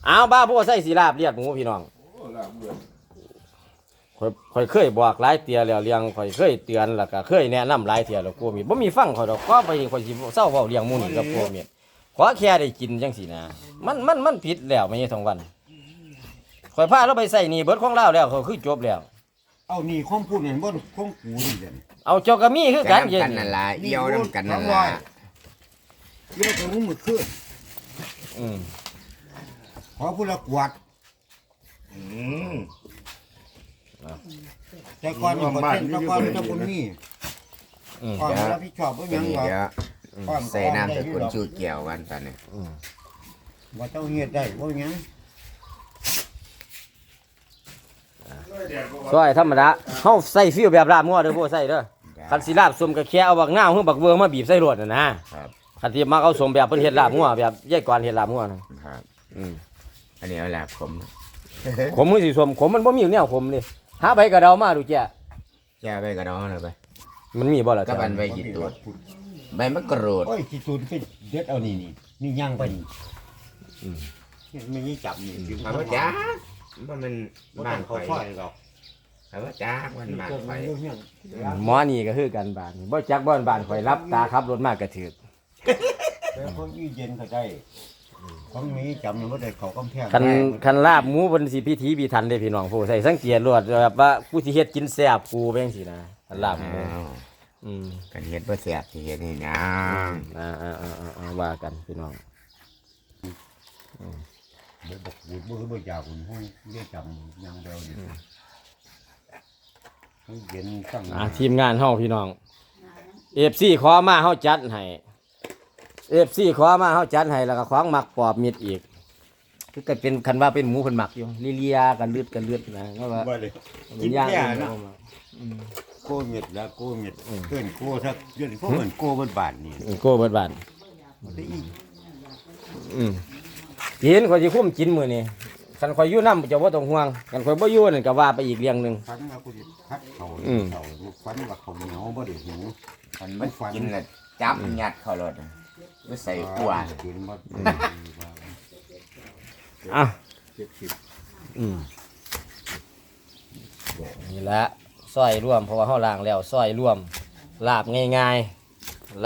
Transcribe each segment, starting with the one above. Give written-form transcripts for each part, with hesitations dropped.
เอาบ้าพวกใส่สีลาบเลียดหมูพี่น้องข่อยเคยบอกหลายเตียแล้วเลี้ยงข่อยเคยเตือนแล้วก็เคยแนะนำหลายเตียแล้วกูมีบ่มีฟังข่อยดอกก็ไปข่อยสิเศร้าเว้าเลี้ยงหมูนี่กับพวกเมียขอแค่ได้กินจังซี่นะมันผิดแล้วไม่ใช่ทั้งวันข่อยพาเราไปใส่นี่เบิดของเราแล้วเขาคือจบแล้วเอานี่ข้อมพูดเห็นบ่ข้อมกูนี่เด่นเอาเจ้าก็มีคือกันเย็นนั่นล่ะเอี่ยวน้ำกันนั่นล่ะเยี่ยวถึงมือขึ้นขอพูดละกวดแต่ก่อนบ่เต้นแต่ก่อนจะบุญนี่ก่อนแล้วพี่ชอบบ่ยังว่าใส่น้ำแต่คนชูเกี่ยวกันตอนนี้ว่าเจ้าเฮ็ดได้บ่ยังซอยธรรมดาเฮาใส่ฟิวแบบลาบงัวเด้อบ่ใส่เด้อคันสิลาบสมก็แค่เอาบักนาวหรือบักเวอร์มาบีบใส่รวดน่ะนะครับคันที่มักเอาสมแบบเพิ่นเฮ็ดลาบงัวแบบยายกวนเฮ็ดลาบงัวนะครับอันนี้เอาลาบขมขมมือสิสมขมมันบ่มีแนวขมนี่หาใบกระเดามาดูแจ้ไปกระดองเลยไปมันมีบ่ล่ะกับอันใบกี่ตัวใบมะกรูดโอ้ยกี่ตัวเป็นเด็ดเอานี่ย่างไปนี่ไม่ยี่จับนี่ถามว่าจ้ามันบ้านเขาค่อยหรอกถามว่าจ้ามันบ้านไฟหมอนี่ก็คือกันบ้านบ่จักบ้านข่อยรับตาขับรถมากกระถือแต่คนอีเย็นเขาได้ของนี้จำว่าได้เขากำแพงคันลาบหมูบนสิพิธีพิถันเด้พี่น้องผู้ใส่สังเกตรวดแบบว่าผู้สิเฮ็ดกินแซ่บกูแม่งสินะคันลาบหมูกันเฮ็ดบ่แซ่บสิเฮ็ดนี่นะว่ากันพี่น้องบอกบุญบ่อยากบุญห้องเรียกจำยังเดียวนี่เย็นตั้งทีมงานเฮาพี่น้อง FC ขอมาเฮาจัดให้FC ขอมาเฮาจัดให้แล้วก็ของหมักปอบมิดอีกคือก็เป็นคันว่าเป็นหมูเพิ่นหมักอยู่เลียกันเลือดนะเพราะว่ากินแก่นะโกเม็ดแล้วโกเม็ดเกินโกสักเดือนพวกเหมือนโกเบิดบาทนี่โกเบิดบาทกินข่อยสิคุ้มกินมื้อนี้คันข่อยอยู่นำจะบ่ต้องห่วงคันข่อยบ่อยู่นั่นก็ว่าไปอีกเรื่องนึงฟันว่ากูสิพัดเขาฟันว่าเขาเหนียวบ่ได้หิวมันกินแล้วจับยัดเข้ารถไม่ใส่กัวนี่แหละซอยร่วมเพราะว่าเฮาล้างแล้วซอยร่วมลาบง่ายๆ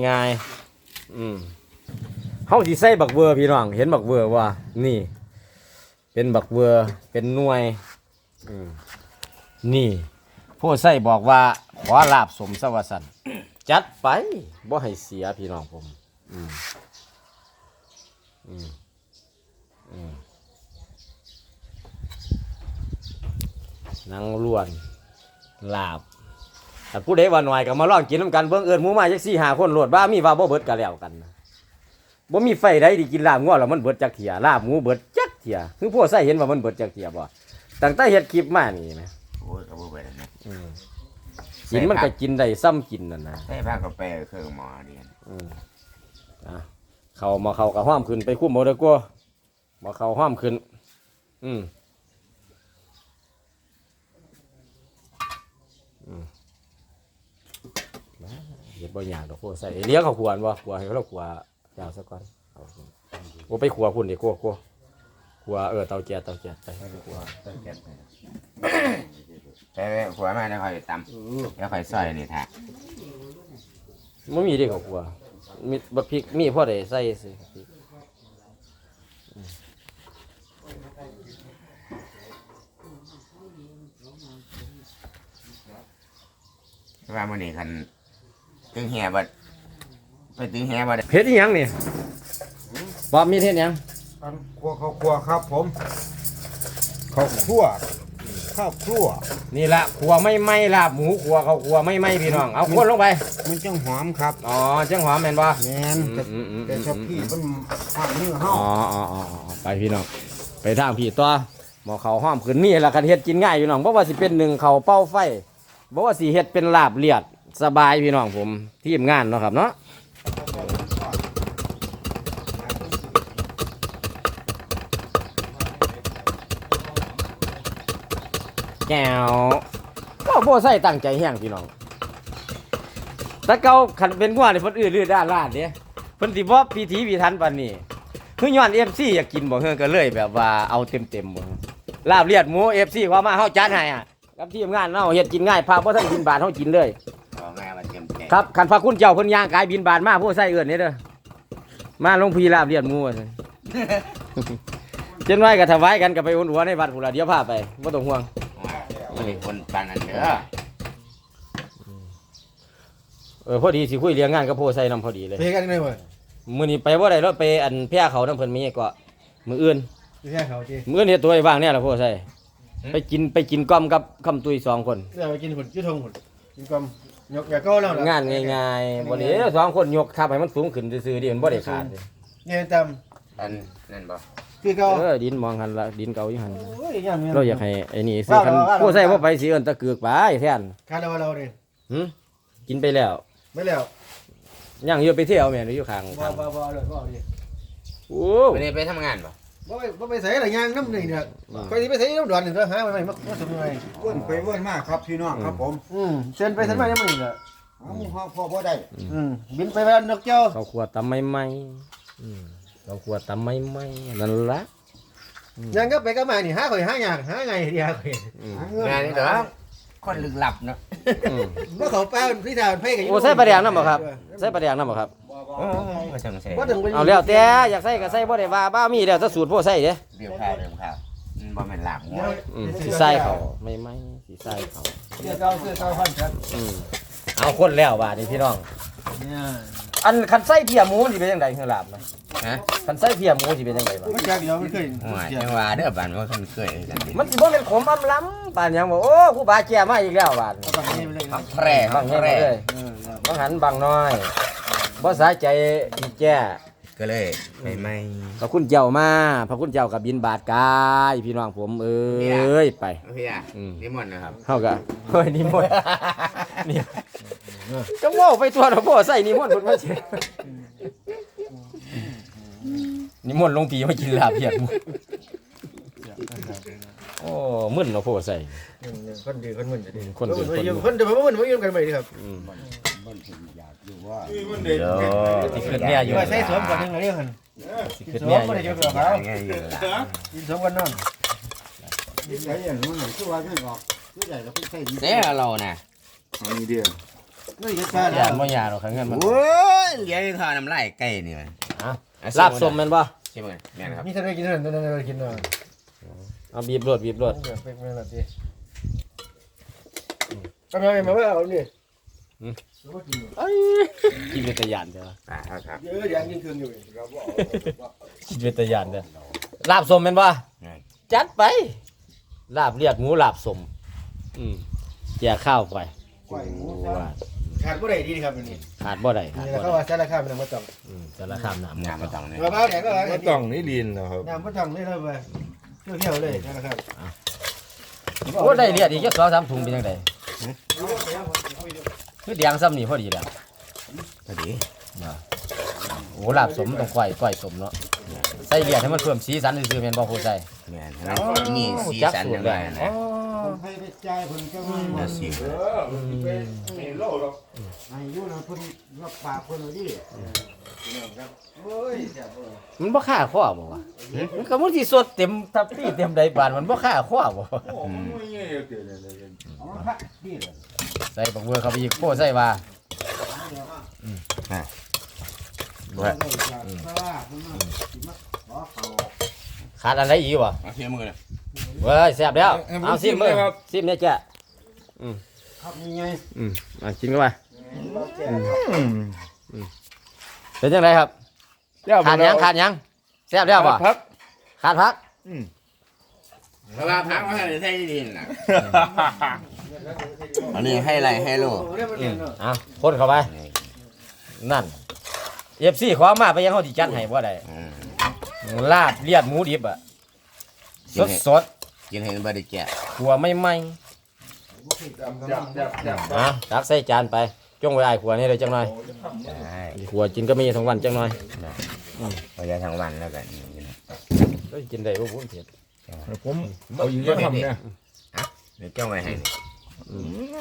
เฮาสิใส่บักเวอร์พี่น้องเห็นบักเวอร์ว่านี่เป็นบักเวอร์เป็นหน่วยนี่ผู้ใส่บอกว่าขอลาบสมสวัสดิ์จัดไปบ่ให้เสียพี่น้องผมนางล้วนลาบแต่ผู้ใดว่าหน่อยก็มาลองกินน้ำกันเบิ่งเอิ้นหมู่มาจัก4-5คนโลดบ้ามีว่าบ่เบิดก็แล้วกันบ่มีไฟใดที่กินลาบงัวแล้วมันเบิดจักเที่ยลาบหมูเบิดจักเที่ยคือผู้ใส่เห็นว่ามันเบิดจักเที่ยบ่ตั้งแต่เฮ็ดคลิปมานี่นะโอ้ยก็บ่เบิดนะกินมันก็กินได้ซ้ำกินนั่นนะใส่ผักกาแฟเครื่องหม้อเดียนเข้าก็ห้อมขึ้นไปคุ้มบ่ได้กว่าบ่เข้าห้อมขึ้นเฮ็ดบ่ยากดอกโคใส่เลี้ยงเขาขวานบ่ขวให้เขาขวายาวซะก่อนโอ้ไปขวพุ่นดิโคขวเตาแก๊สไปขวเตาแก๊สไปขวมาแล้วค่อยตำแล้วค่อยซอยนี่แท้บ่มีเด้เขาขวมีบักพริกมีพอได้ใส่สิว่ามื้อนี้คันตึงแห่บ่ไปตึงแห่บ่ได้เฮ็ดอีหยังนี่บ่มีเฮ็ดหยังข้าวคั่วครับผมข้าวคั่วนี่ละขัวไม่ลาบหมูขัวเขาขัวไม่พี่น้องเอาคนลงไปมันจังหอมครับจังหอมแม่นบ่แม่นแต่ชอบพี่มันหอมมือเฮาไปพี่น้องไปทางพี่ตัวหมอเขาหอมขึ้นนี่ล่ะคันเฮ็ดกินง่ายอยู่น้องบ่ว่าสิเป็น1เขาเป้าไฟบ่ว่าสิเฮ็ดเป็นลาบเลียดสบายพี่น้องผมทีมงานเนาะครับเนาะแก้วก็โบใส่ตั้งใจแห้งพี่น้องแต่เก่าขันเป็นงัวนี่เพิ่นอื้อด้านลาดเด้เพิ่นสิบ่พิถีพิถันปานนี้คือย้อน FC อยากกินบ่เฮือก็เลยแบบว่าเอาเต็มๆบ่ลาบเลียดหมู FC ว่ามาเฮาจัดให้อ่ะกับทีมงานเฮาเฮ็ดกินง่ายพาบ่ทันบินบาทเฮากินเลยเอาแม่มาเต็มแก่ครับคันพระคุณเจ้าเพิ่นย่างกายบินบาทมาผู้ใส่เอื้อนนี่เด้อมาลงพีลาบเลียดหมูว่าซั่น เจนไว้ก็ถวายกันก็ไปอุ่นหัวในวัดพุ่นล่ะเดี๋ยวพาไปบ่ต้องห่วงมันเป็นคนปานนั้นเด้อพอดีสิคุยเรื่องงานกับผู้ใส่นำพอดีเลยเพกันได้บ่มื้อนี้ไปบ่ได้รถไปอันแพร่เขานำเพิ่นมีก็มื้ออื่นแค่เขาจีมื้อนี้ตัวไอ้ว่างเนี่ยล่ะผู้ใส่ไปกินก้อมกับคำตุย2คนเดี๋ยวไปกินผลยืดทงผลกินกลมยกอย่าก็แล้วงานง่ายๆบ่ได้2คนยกทับให้มันสูงขึ้นซื่อๆดิมันบ่ได้ขาดเนี่ยจอันนั่นบ่ำคือเก่าดินมองหันละดินเก่าอยู่หันโอ้ยยังเราอยากให้ไอ้นี่ซื้อคันผู้ใส่บ่ไปสิเอิ้นตะเกือกไปแทนคาเราเนี่ยหึกินไปแล้วไม่แล้วยังอยู่ไปเที่ยวแม่นอยู่ข้างบ่ทางบ่เลยบ่ดิโอ้ไม่ได้ไปทำงานบ่บ่ไปใส่อะไรย่างน้ำนี่เนี่ยไปสิไปใส่น้ำดอนนี่ก็หาไปมาสุดเลยเว้นไปเว้นมาครับพี่น้องครับผมเส้นไปเส้นมายังไม่เนี่ยเอาหมู่เฮาพอบ่ได้บินไปบ้านนกเจ้าเขาขวดตำใหม่ๆเขาขวดตำใหม่ๆนั่นล่ะยังก็ไปก็มานี่หาข่อยหาอยากหาไงเดียวข่อยหาเงินงานนี่เด้อคนลึกลับเนาะบ่เขาป้าพี่ทาวไผกันโอ้ใส่ปลาแดงนำบ่ครับใส่ปลาแดงนำบ่ครับโอ้ก็จังใส่บ่ถึงไปเอาแล้วแต่อยากใส่ก็ใส่บ่ได้ว่าบ้ามีแล้วแต่สูตรผู้ใส่เด้เรียบข้าวบ่แม่นลาบหัวสิใส่เขาไม่สิใส่เขาเสื้อเก่าพันครับเอาคนแล้วบาดนี้พี่น้องเนี่ยอันคันใส่เพียหมูมันสิเป็นจังได๋คือลาบนะฮะคันใส่เพียหมูสิเป็นจังไดบ่มันจากเดียวมันเคยโอ้ยจังว่าเด้อบ้านว่าคนเคยกันดิมันสิบ่แม่นขมอำล้ำปานหยังบ่โอ้ครูบาแก่มาอีกแล้วบาดนี้เอาฝั่งนี้ไปเลยพักแพร่บางแห่งเลยบางหันบางน้อยบ่สาใจอีแก่ก็เลยไปไม่พระคุณเจ้ามาพระคุณเจ้ากับบินบาทกายพี่น้องผมเอ้ยไปพี่อ่ะนิมนต์นะครับเฮาก็เฮ้ยนิมนต์นี่จังเว้าไปตัวดอกบ่ใส่นิมนต์เพิ่นมาสินิมนต์หลวงพี่มากินลาบเพียดหมูโอ้มึนเนาะพ่อใส่คนดีคนมึนจะดีคนดีคนมึนคนเดี๋ยวผมมึนกันไปดีครับมันถึงอยากอยู่ว่าเดี๋ยวสิขึ้นเนี่ยอยู่ใช้สวมก่อนนึงเรื่องหันสิขึ้นเนี่ยอยู่ไงอยู่ล่ะสวมกันนอนใช้อย่างนั้นคือว่าไม่ออกคือใหญ่ก็ใช้เสียเราน่ะมีเดียวนี่จะซ่าอย่าบ่ยาหรอกครับเงินมันโอ้ยเดี๋ยวทอน้ำลายไก่นี่มันลาบส้มแม่นบ่ใช่ไหมแม่นครับนี่ท่านไม่กินท่านไม่กินเนาะเอาบีบรวดเดี๋ยวเป็นอะไรดีทำไมมาว่าเอาเนี่ยกินเป็นตะยานเด้อครับเยอะยังกินเครื่องอยู่เราบอกกินเป็นตะยานเด้อลาบส้มแม่นบ่จัดไปลาบเลียดหมูลาบส้มแจกข้าวไปขาดผู้ใดดีครับนี่ขาดบ่ได้ขาดนี่บ่เขาได้ว่าสารคามน้ำมะตองสารคามน้ำงานมาต้องเนี่ยมะพร้าวแดงก็มาต้องนี่ดินนะครับน้ำมะตองนี่เลยไปเที่ยวเลยนะครับโอ้ได้เลียดอีกจัก2-3ถุงเป็นจังไดคือแดงซ้ำนี่พอดีแล้วพอดีโอ้ลาบสมต้องก้อยสมเนาะใส่เลียดให้มันเพิ่มสีสันซื่อๆแม่นบ่ผู้ใส่แม่นนี่สีสันอย่างไรนะคนให้ไปจ่ายเพิ่นก็มาแล้วสีอายุนะเพิ่นรับปากเพิ่นเอาดิโอ้ยมันบ่ค่าข้อบ่วะมันก็มันสิสดเต็มทับพี่เต็มใดบานมันบ่ค่าข้อบ่เอามาพักพี่เลยใส่บักเบือเข้าไปอีกโป้ใส่ว่าเพราะว่าเพิ่นมาสิมาขอเขาขาดอะไรอีกวะเอาเทียมมือเลยเว้ยแซ่บแล้วเอาซิมเลยซิมเนี่ยจ้ะครับนี่ไงกินเข้าไปเป็นจังไดครับขาดหยังแซ่บแล้วบ่พักขาดพักเพราะว่าพักมาให้ใส่ดินนะอันนี้ให้ไรให้ลูกเอาคนเข้าไปนั่น FC ขอมาไปยังเฮาสิจัดให้บ่ได้ลาบเลียดหมูดิบอ่ะสดกินเห็นบริแกะๆขัวใหม่ๆตักใส่จานไปจงไว้อ้ายขัวนี่เลยจังหน่อยใช่ขัวกินก็มีทั้งวันจังหน่อยพอจะทั้งวันแล้วกันก็กินได้บ่พูดเผ็ดผมเอาอยู่ที่ทำเนี่ยเดี๋ยวจ้องไว้ให้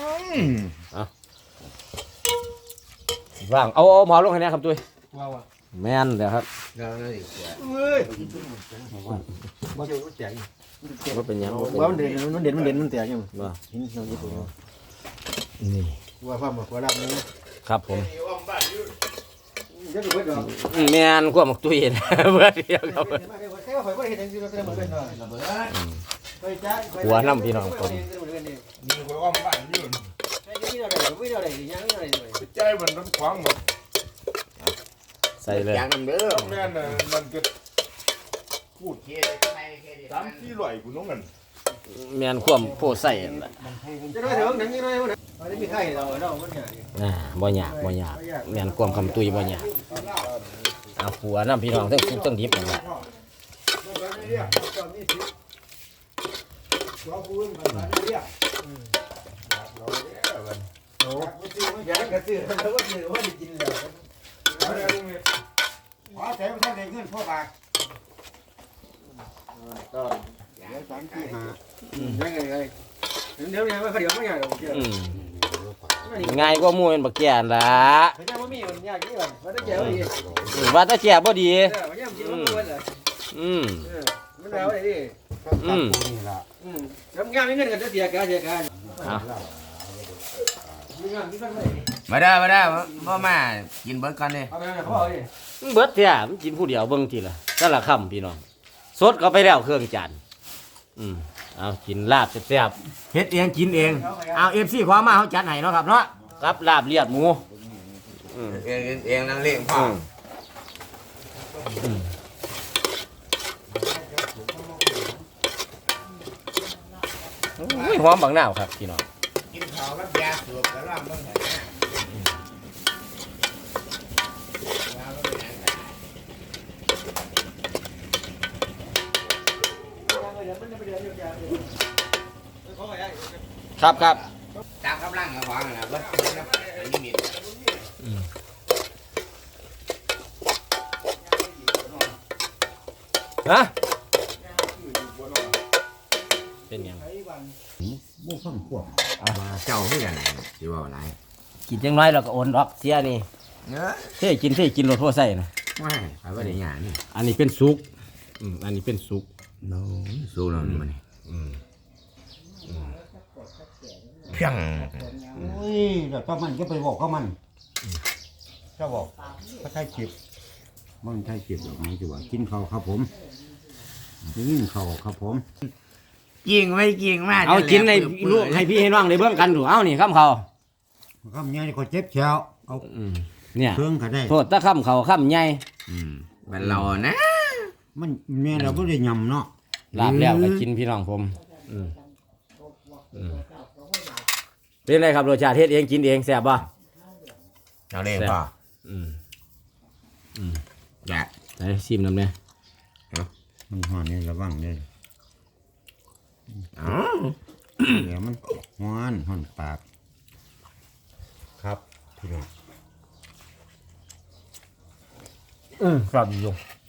ว่างเอาหมอลงให้แน่ครับตุ้ยว้าวแม่นเดี๋ยวครับเราเลยเฮ้ยบ่เจ้าแตกว่าเป็นหยังบ่เป็นหว่ายังมันเด่นมันแตกยังว่าหินเราญี่ปุ่นนี่ว่าความว่ารับนี่ครับผมจะดูไว้ดอกแม่นความมักตุ้ยนะ เบื่อเดียวครับแค่ว่าข่อยบ่ได้เฮ็ดจังซี่เราก็ได้เหมือนกันเนาะระเบิดไปจ้าหัวน้ำพี่น้องผมมีคนอ้อมบ้านอยู่ไอ้นี่อะไรวิ่งอะไรยังอะไรเลยใจมันน้ำขวางหมดใส่เลยอย่างนั้นเด้อต้องแม่นน่ะมันก็พูดเคสไปเคสตามที่ลอยกูน้องกันแม่นความโพใส่นั่นแหละจะน้อยเถอะหนังยังน้อยมันอันนี้มีไข่เรามันใหญ่บ่ยากแม่นความคำตุ้ยบ่ยากเอาหัวน้ำพี่น้องทั้งสุกทั้งดิบนั่นแหละโอ้ยากกระสือแล้วก็สือว่าได้กินแล้วขอแถมท่านได้เงินพ่อบาทก็เดี๋ยว3 4 5 ยังไงเดี๋ยวไม่เดี๋ยวไม่ใหญ่หรอกอืมง่ายกว่าหมู่เป็นบักแก่นล่ะเขาจะว่ามีมันยากกี่วันว่าได้เจ้าดีว่าแตาแก่บ่ดีมันยังกินมันเลยอืมมันเอาอะไรดิอืมนี่ล่ะทำงานไม่เงินกันจะเสียการเอามีงานมีกันไหมมาได้บ่มากินเบิร์ดก่อนเลยเอาไปเขาเอาดิเบิดแท้มันกินผู้เดียวเบิ่งทีละแต่ละคำพี่น้องสดก็ไปแล้วเครื่องจานเอากินลาบแซ่บๆเฮ็ดเองกินเองเอา FC ขอมาเฮาจัดให้เนาะครับเนาะกับลาบเลียดหมูอืมเองนั่งเล่งพ่อหอมบางนาวครับพี่น้องกินข้าวกับยาสูบแล้วล่างบ้างไหนครับครับตามกำลังกับของนะเบิร์ดนี่มีฮะเป็นหยังบ่ฟังพวกเจ้าคือกันไหนที่ว่าอะไรกินจังน้อยเราก็โอนดอกเสียนี่เนื้อเท่กินรถทั่วใส่นะไม่ไปว่าได้ยังนี่อันนี้เป็นซุกอันนี้เป็นซุกสู้เรานี่มันเพียงโอ้ยแล้วถ้ามันก็ไปบอกกับมันถ้าบอกถ้าใช่คลิปมันใช่คลิปหรอกมันจะว่ากินข้าวครับผมกินข้าวครับผมยิงไม่ยิงมากเอากินในลูกให้พี่ให้น้องได้เบิ่งกันดูเอานี่ข้ามเขาคำนี้นี่ก็เจ็บแฉวเอาเนี่ยเครื่องก็ได้โทษถ้าข้ามเขาข้ามใหญ่มันเรานะมันแม่เราไม่ได้ยำเนาะลาบแล้วก็กินพี่น้องผมเป็นไรครับรสชาติเฮ็ดเองกินเองแซ่บป่ะเราเล่นพ่ออยากใส่ซิมน้ำเนี่ยมันห่อนนี่ระวังเลยอ๋อเดี๋ยวมันห่อนปาก ครับพี่น้องครับอยู่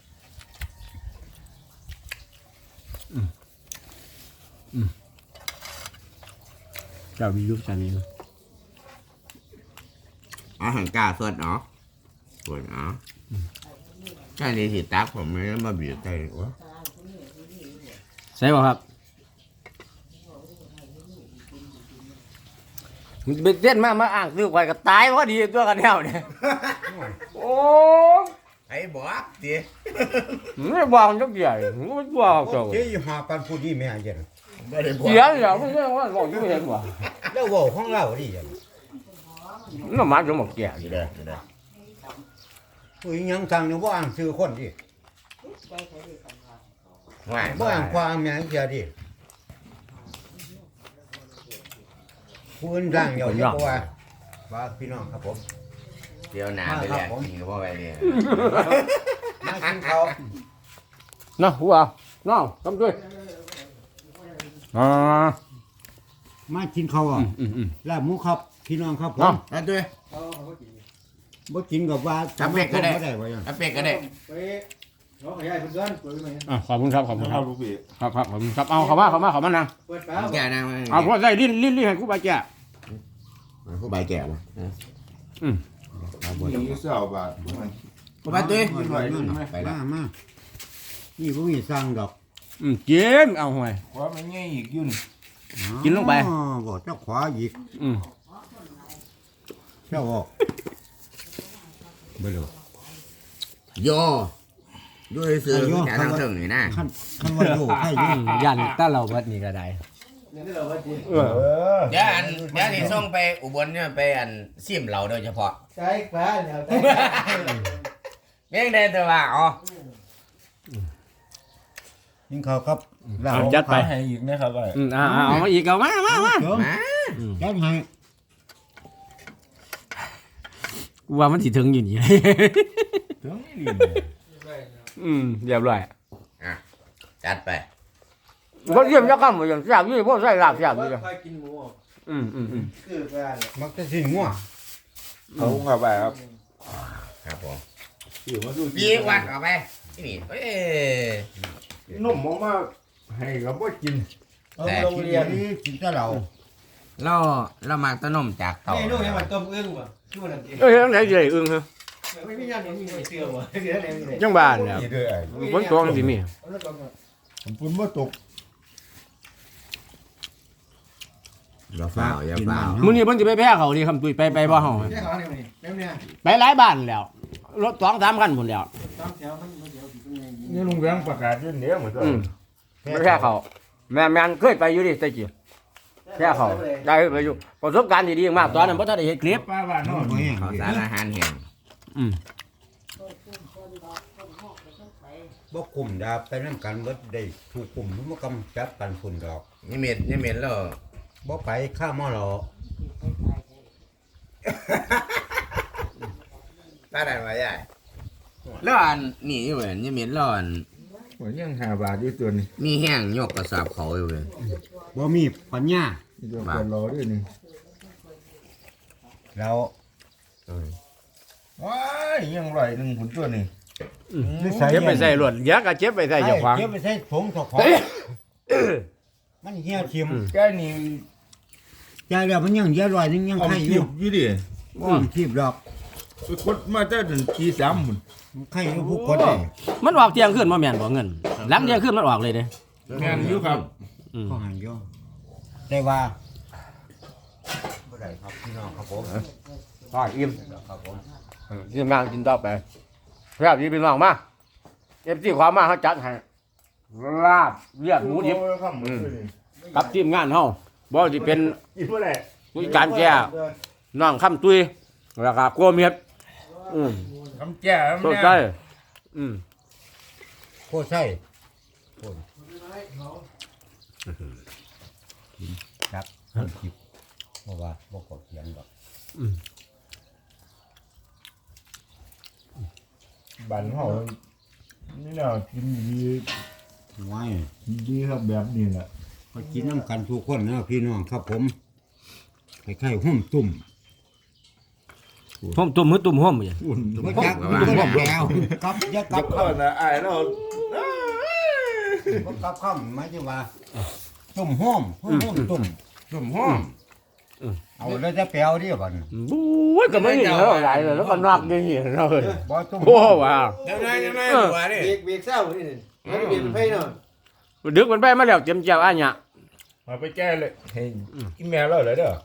เจ้ามียุคจานนี้อาหารกาสดเนาะสดเนาะแค่นี้สิตักผมไม่ได้มาบีบใจวะใช่ป่ะครับมันเป็นเต้นมาอ่างซื้อไว้ก็ตายพอดีตัวกันแนวเนี่ยโอ้ไอ้บอกดิไม่บอกจักใหญ่ไม่บอกจังเจ๊หาปันพูดดีแม่เย็นไม่ได้บอกเสียอย่าไม่ใช่ว่าบอกอยู่เห็นว่ะแล้วว่าของเราดิเย็นน้ำมันจะหมดแก่ดีเลยดีเลยอุ้ยยังสั่งเนี่ยว่าอ่างซื้อคนดิว่าว่าอ่างความแม่เสียดิผู้อื่นร่างเดียวจะบอกว่าพี่น้องครับผมเดี๋ยวหนาไปแหละกินกับพ่อไปเนี่ยมากินข้าวน้าหัวน้องทำด้วยมากินข้าวอ่ะลาบหมูครับพี่น้องครับผมเอาด้วยบ่กินกับว่าทำเป็ดก็ได้บ่ได้ว่าอย่างเอาเป็ดก็ได้ไปน้องขยายเพื่อนเปิดไหมขอบคุณครับขอบคุณครับลูกพี่ครับขอบคุณครับเอาเขามานั่งเปิดฟ้าแก่นางเอาพวกใส่ลิ้นให้กูไปแก่ผู้ใบแก่ละมีเสี่ยวบาทบ่ไปตุ้ยไปละมานี่บ่มีสร้างดอกกินเอาห่วยว่ามันง่ายอีกยุ่นกินลงไปอ๋อบ่เจ้าขวาอีกอืมเจ้าออกบ่รู้โยซื้อแค่ทางเทิงนี่นะคันว่าโยให้อยู่ยันถ้าเราวัดนี้ก็ได้นี่เราว่าจีเออเดี๋ยวนี่ส่งไปอุบลเนี่ยไปซิมเราโดยเฉพาะใช้ฟ้าแล้วเพียงใดแต่ว่าอ๋อกินข้าวครับจัดไปให้อีกนะครับไอ้เอามาอีกเอามาเดี๋ยวมาจัดให้ว่ามันสิถึงอยู่นี่ถึงนี่เรียบร้อยจัดไปก็เยี่ยมยักษ์กันหมดอย่างแซ่บยี่พวกใส่ลาบแซ่บนี่ค่อยกินหมู คือฟ้ามักจะสิงัวเขาครับไปครับครับผมอยู่มาดูยีวัดออกไปนี่เอ้ยนมออกมาให้กับว่ากินเอาโรงเรียนนี่กินแต่เราเรามาต้นมจากเต่านี่ลูกยังมันต้มอึ้งว่ะชื่อมันอะไรยังไหนใหญ่อึ้งฮะไม่มีอย่างนี้มีเสื้อว่ะเสื้ออะไรนี่จังบ้านเนี่ยนี่ด้วยไอ้ฝนตกสิมีผมปุ่นว่าตกอย่าเปล่าอย่าเปล่ามื้อนี้เพิ่นสิไปแพ้เขาดิคำตุยไปบ่เฮาแค่เขาเนี่ยเนี่ยไปหลายบ้านแล้วรถ2-3คันพุ่นแล้วต้องแถวมันเดี๋ยวถึงไงนี่ลุงแบงประกาศยื่นเนี้ยเหมือนกันไปแพ้เขาแม่นเคยไปอยู่ดิตะกี้แพ้เขาได้ไปอยู่ประสบการณ์ดีๆมากตอนนั้นบ่ทันได้เห็นคลิปป้าบ้านนอนบ่แห้งเขาสารอาหารแห้งบ่คุมดาไปนำกันเบิดได้ถูกคุมมันบ่กำจัดกันพุ่นดอกนี่เม็ดแล้วบ่ไปข้ามมอหรอตาได้มาใหญ่แล้วนี่อยู่เว้ยนี่เม็ดแล้วหัวยัง5 บาทอยู่ตัวนี้มีแห้งยกกระสอบเขาอยู่เว้ยบ่มีปัญญานี่ตัวคนรอด้วยนี่เราว้ายยังไหลหนึ่งผลตัวนี่เจ็บไปใส่รถยักษ์ก็เจ็บไปใส่เจ้าของเก็บไปใส่ถุงเจ้าของมันเหี่ยวทิ่มแกนี่ใจแล้วมันยังเยอะลอยยังเอาไข่อคียู่บอยู่ดิบ่ทิ่มดอกไปกดมาแต่ถึงที3หมุนไข่อยู่ผู้คนได้มันออกเที่ยงคืนบ่แม่นบ่เงินหลังเที่ยงคืนมันออกเลยเด้แม่นอยู่ครับก็หันอยู่แต่ว่าบ่ได้ครับพี่น้องครับผมพออิ่มครับผมกินงานกินต่อไปครับพี่พี่น้องมา FC ความมาเฮาจัดให้ลาบเลือดหมูดิบกับทีมงานเฮาบ่สิเป็นกินบ่ได้ผู้จัดการแก่น้องคำตุยแล้วก็กลัวเมียดคำแจ้คำต้นแจ้ใจโคตรใช่ครับจิบเพราะว่าบ่กดเสียงดอกบ้านเฮานี่เนาะกินดีไว้ดีครับแบบนี้แหละก็กินน้ำกันทุกคนนะพี่น้องครับผมคล้ายๆหุ่มตุ่มห่มตุ่มมือตุ่มห่มอย่างอุ่นบ่จักบ่จักแล้วกับอย่ากับเออนะไอ้เราบ่กับคำหมายถึงว่าตุ่มห้อมตุ่มสมห้องเอาแล้วจะแปลวดิบัดนี้บู๊ยก็ไม่เห็นแล้วหลายเลยแล้วก็นักอย่างนี้เราเลยบ่ตุ่มโอ้ว้าวยังไงหัวนี่เบรกเศร้านี่มันเบรกไฟเนาะดึกมันไปมาแล้วเจ็มเจ้าอันเนี่ยมาไปแก้เลยเฮ้ยกินแม่เราเลยเด้อ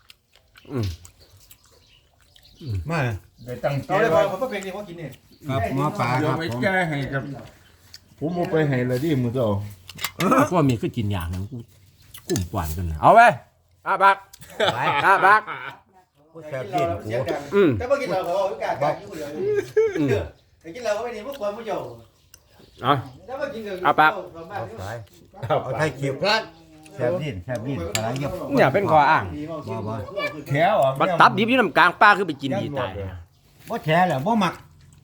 มาได้ตั้งใจเอาเลยพอไว้ผมก็เพลงนี้เขากินเนี่ยครับหมอปลาเดี๋คยวรับไปผมแก้ให้กับผมเอาไปให้เลยดิมือเจ้าพวกมีคือกินอย่างนึงกุ้มกวานกันนะเอาไปบักบักผู้แซ่บดินเสียงดังแต่พอกินเราเขาเอากากกินคนเดียวแต่กินเราเขาไม่ดีพวกคนไม่เยอะเอาแล้วมากินกับเอาไทยเขียวแซ่บดินอะไรเงี้ยเนี่ยเป็นข้ออ้างบ่แถวอ่ะบักตับดิบอยู่น้ำกลางป้าคือไปกินดีตายบ่แท้แล้วบ่มัก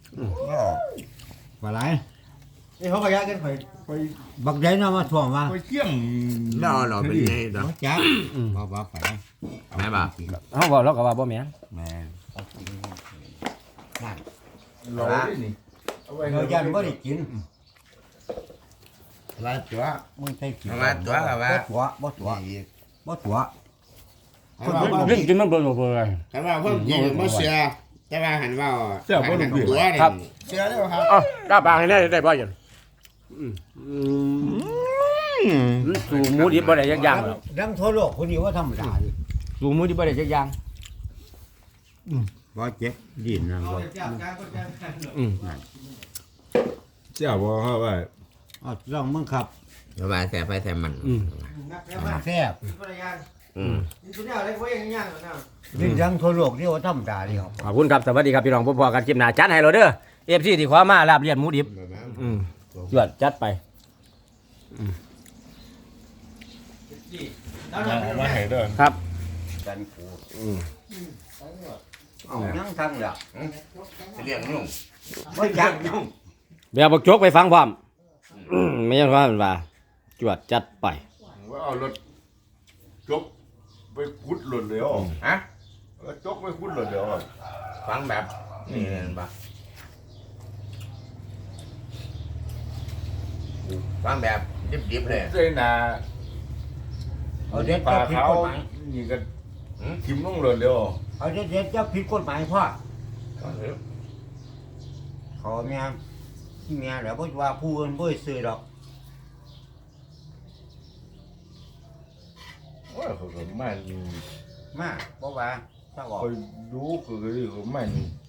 ว่าไรนี่เขาขยะกันไปบักใหญ่เนาะมาท่วงว่าไปเที่ยงแล้วเราเป็นไงต่อบ่จักบ่ไปแม่บ่าเขาบอกเราก็ว่าบ่แม่นแม่เราดินี่เอาไว้เรายันบ่ได้กินลาตัวมึงไทยเขียวมาตัวกับว่าบ่ตัวเรื่องกินมันเบิ่งบ่เบิ่งเลยแต่ว่าเพิ่มกินมาเสียแต่ว่าหันว่าเสียบ่หัรู้นเรื่องตัวเนี่ยครับเสียแล้วครับอ้าวกล้าปากให้ได้บ่ยังสูหมูดิบบ่ได้จักอย่างหรอกดังทั่วโลกคนนี้ว่าธรรมดาดิสูหมูดิบบ่ได้จักอย่างบ่เจ็บดินนะบ่อืมเสียบ่ครับว่าอ๋อลองมึงครับระบายแสบไปแสบมันแซ่บอืมดินดังทั่วโลกนี่ว่าธรรมดาดิครับขอบคุณครับสวัสดีครับพี่น้องพบกันคลิปหน้าจัดให้เราเด้อ FC ที่ขอมาลาบเลียนหมูดิบจวดจัดไปมาให้เด้อครับกันกูอืมเอายังทังล่ะเรียกนุ่งบ่จักยุ่งเดี๋ยวบักโจกไปฟังพร้อมไม่ใช่ว่ามันว่าจวดจัดไปว่าเอารถจกไปขุดหล่นแล้วฮะแล้วจกไปขุดหล่นแล้วฟังแบบนี่เห็นปะฟังแบบดิบๆเลยเส้นนาเอาเด็ดปลาจะผิดเขากฎหมายนี่ก็ทิ่มลงหล่นแล้วเอาเด็ดจะผิดกฎหมายพ่อขอเมียแล้วบ่ว่าผู้อื่นบ่ซื้อดอกว่าเขาก็มันมาบ่ว่าถ้าออกคอยดูเขาก็ดีเขามัน